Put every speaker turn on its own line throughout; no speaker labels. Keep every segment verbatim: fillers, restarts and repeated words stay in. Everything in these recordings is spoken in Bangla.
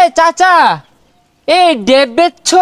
চাচা এই ডেব বেচছ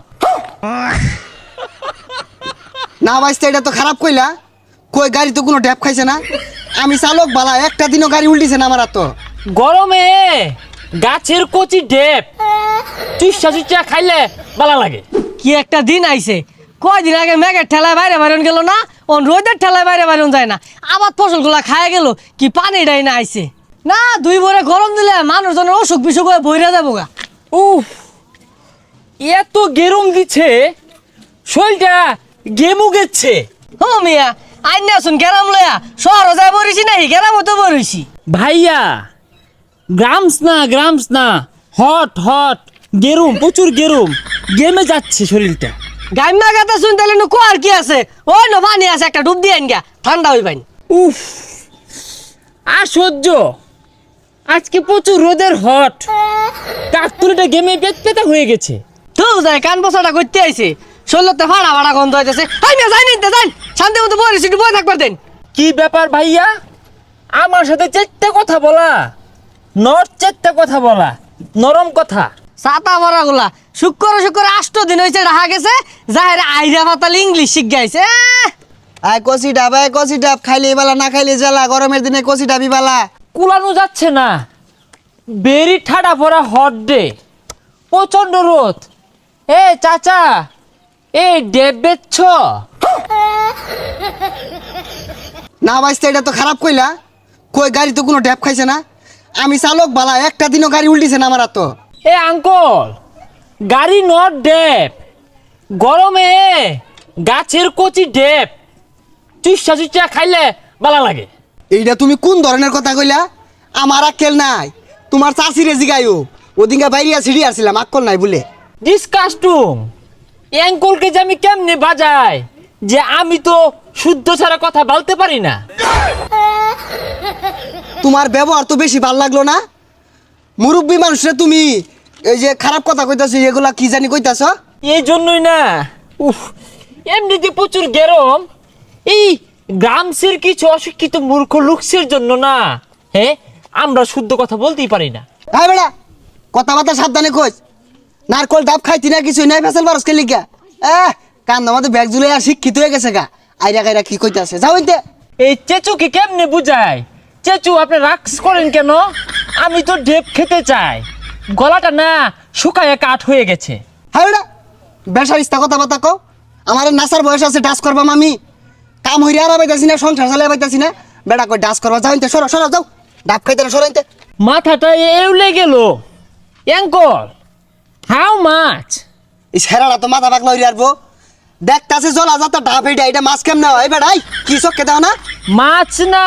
না ভাইস্তা, এটা তো খারাপ কইলা। কই গাড়ি তো কোনো ড্যাপ খাইছে না। আমি চালক বালা, একটা দিনও গাড়ি উল্টিছে না আমার। আর তো
গরমে গাছের কচি ডেব চুষা চুষা খাইলে ভালো লাগে।
কি একটা দিন আইছে, কয়দিন আগে মেঘের ঠেলায় বাইরে বাইরন গেল না, ও রোদের ঠেলায় বাইরে বাইরন যায় না, আবার ফসলগুলা খায় গেল কি পানিটাই না আইছে না। দুই ভরে গরম দিলে মানুষজনের অসুখ বিসুখ হয়ে বইরা যাবো গা।
উফ, এত গেরুম দিচ্ছে, শরীরটা গেমু গেছে।
ও মিয়া, আইন আসুন গেরাম লয়া শহর যায় বরিছি নাই, গেরাম তো বরিছি।
ভাইয়া গ্রামস না গ্রামস না, হট হট গেরুম, প্রচুর গেরুম, গেমে যাচ্ছে শরীরটা।
গাইমা গাতা শুন তাহলে নু কোয়ার কি আছে, ওই নো পানি আছে, একটা ডুব দিয়ে আইন গা, ঠান্ডা হই পাইন।
উফ, আর সহ্য, আজকে প্রচুর রোদের হট, কাকতুলিটা গেমে পেট পেতা হয়ে গেছে।
তো যায় কান বসাটা করতে আইছে, শরীরতে ফাড়া ফাড়া গন্ধ হইতেছে। আই মিয়া যাই নিতে যাই, শান্তি মতো বরিছি, একটু বই থাকবার দেন।
কি ব্যাপার ভাইয়া, আমার সাথে চেট্টা কথা বলা, নর চেট্টা কথা বলা, নরম কথা।
ছাতা ভরা গুলা শুক্র শুক্র আষ্ট দিন হয়েছে রাহা গেছে, যাহের আইরা পাতাল ইংলিশ শিখ গাইছে।
আয় কষি ডাব, আয় কষি ডাব, খাইলে বালা না খাইলে জ্বালা। গরমের দিনে কষি ডাবি বালা।
কুলানো যাচ্ছে না, বেরি ঠাডা পড়া হট ডে, প্রচন্ড রোদ। এ চাচা এই ডেব বেচছ?
না ভাইস্তা, এটা তো খারাপ কইলা। কই গাড়ি তো কোনো ড্যাপ খাইছে না। আমি চালক বালা, একটা দিনও গাড়ি উল্টিছে না আমার। আর তো
এ আঙ্কল, গাড়ি নট ডেব, গরমে গাছের কচি ডেব চুষা চুষা খাইলে ভালো লাগে।
এইটা তুমি কোন ধরনের কথা কইলা? আমার আক্কেল নাই। তোমার চাষিরে জিগাইও, ওদিনকে বাইরিয়া সিঁড়ি আসছিলাম, আক্কল নাই বলে।
ডিসকাস্টুম, অ্যাঙ্কলকে যে আমি কেমনে বাজাই, যে আমি তো শুদ্ধ ছাড়া কথা বলতে পারি না।
তোমার ব্যবহার তো বেশি ভাল লাগলো না। মুরব্বী মানুষরা তুমি এই যে খারাপ কথা কইতাছো, এগুলা কি জানি কইতাছ।
এই জন্যই না, উফ, এমনিতে প্রচুর গরম, এই গ্রামসের কিছু অশিক্ষিত মূর্খ লোকসের জন্য না, হ্যাঁ আমরা শুদ্ধ কথা বলতেই পারি না।
হ্যাঁ বেড়া, কথাবার্তা সাবধানে কইস। নারকল ডাব খাইতি না, কিছু নাই ফেসাল বারস কে লিখা। এহ কান্দ আমাদের ব্যাগ জুলে আর শিক্ষিত হয়ে গেছে গা। আইরা গাইরা কি কইতাছে, যাও ইনতে।
এই চেচুকে কেমনে বুঝায়? চেচু আপনি রাক্স করেন কেন? আমি তো ডেপ খেতে চাই, গলাটা না শুকায় কাঠ হয়ে গেছে।
হ্যাঁ বেড়া, বেসার ইস্তা কথাবার্তা কও। আমার নাসার বয়স আছে, ডাস করবাম আমি। কাম হইরে আর পাইতাছি না, সংসার চালাই পাইতাছি না, বেড়া কই ডাস করবা। যাও ইনতে, সরো সরো, যাও। ডাব খাইতে না, সরো ইনতে।
মাথাটা এউলে গেল। Uncle, how much?
এই ছেড়াটা তো মাথা পাকলা হইরে আরবো। দেখতাছে জলা যাতা ডাব, এইটা এটা মাছ কেমনে হয় বেড়াই? কি চক্কে দাও না?
মাছ না,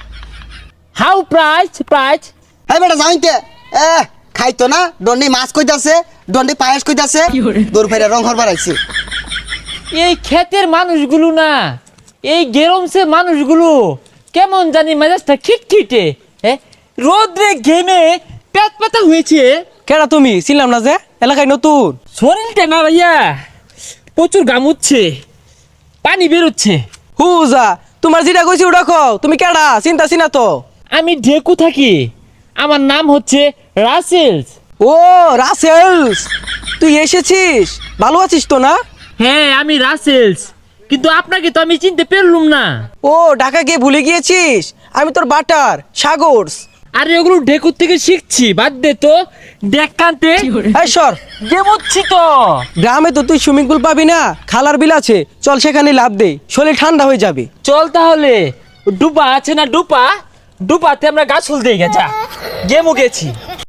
হাউ প্রাইস প্রাইস?
হ্যাঁ বেটা, যাও ইনতে। এ খাইতো না, দন্ডি মাছ কইতাছে, দন্ডি পায়েস কইতাছে, দূর ফেরে রং হরবার আইছে।
এই ক্ষেতের মানুষগুলো না, এই গেরমসে মানুষগুলো কেমন জানি মেজাজটা খিটখিটে, হ্যাঁ রোদ্রে ঘেমে পেট পাতা হয়েছে।
কেডা তুমি? ছিলাম না যে এলাকায় নতুন।
শরীরটা না ভাইয়া প্রচুর গামুচ্ছে, পানি বেরোচ্ছে।
হুজা, তোমার যেটা কইছি ওটা কও। তুমি কেডা? চিন্তা চিনা তো।
আমি ঢেকু থাকি, আমার নাম হচ্ছে রাসেলস।
ও রাসেলস, তুই এসেছিস? ভালো আছিস তো না?
হ্যাঁ আমি রাসেলস, কিন্তু আপনাকে তো আমি চিনতে পারলুম না।
ও ঢাকা গিয়ে ভুলে গিয়েছিস? আমি তোর বাটার সাগরস।
আরে ওগুলো ঢেকুর থেকে শিখছি, বাদ দে তো। দেখ কান্তে
এই সর,
গেমুচ্ছি তো।
গ্রামে তো তুই সুইমিং পুল পাবি না, খালার বিল আছে, চল সেখানে লাভ দে, শরীর ঠান্ডা হয়ে যাবে।
চল তাহলে, ডুপা আছে না ডুপা, ডুপাতে আমরা গাছ ফুল দিয়ে গেছা গেমু গেছি।